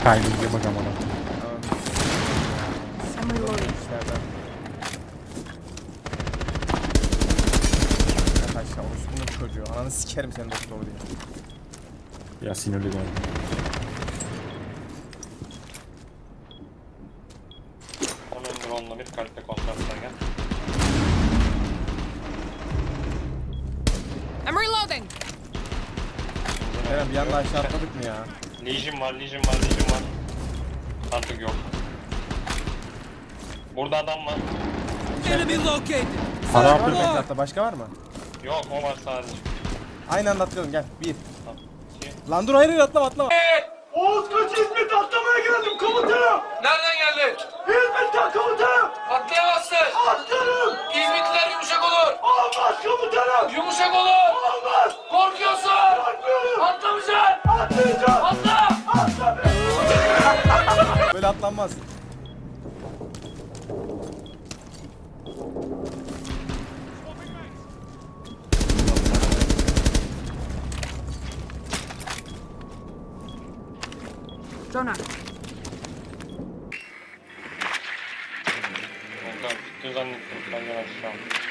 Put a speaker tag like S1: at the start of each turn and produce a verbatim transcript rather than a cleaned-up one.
S1: Timing'e bak amına.
S2: I'm reloading.
S3: Arkadaşlar orospunun çocuğu. Ananı sikerim seni doktor diye.
S1: Ya sinirli geldi.
S4: Onun drone'la bir kalple kontrasına gel.
S2: I'm reloading.
S3: Eren bir anda aşağı atladık mı ya?
S4: Legion var, Legion var, Legion var. Artık yok. Burada adam var.
S5: Enemy located.
S1: Para
S3: Var
S1: yaptı.
S3: mı etrafta? Başka var mı?
S4: Yok, o var sadece.
S3: Aynı anda atlayalım gel. Bir.
S4: Tamam. İki.
S3: Lan dur hayır hayır atlama atlama.
S6: Oğuz kaç İzmit atlamaya geldim komutanım.
S5: Nereden geldin?
S6: İzmit'ten komutanım.
S5: Atlayamazsın.
S6: Atlarım.
S5: İzmitliler yumuşak olur.
S6: Olmaz komutanım.
S5: Yumuşak olur.
S6: Olmaz.
S5: Korkuyorsun.
S6: Korkmuyorum.
S5: Atlamayacaksın.
S6: Atlayacağım.
S5: Atla.
S6: Atlamıyorum.
S3: Böyle atlanmaz.
S2: Drone out.
S4: Ondan bitti zannettim. Benden aşağı.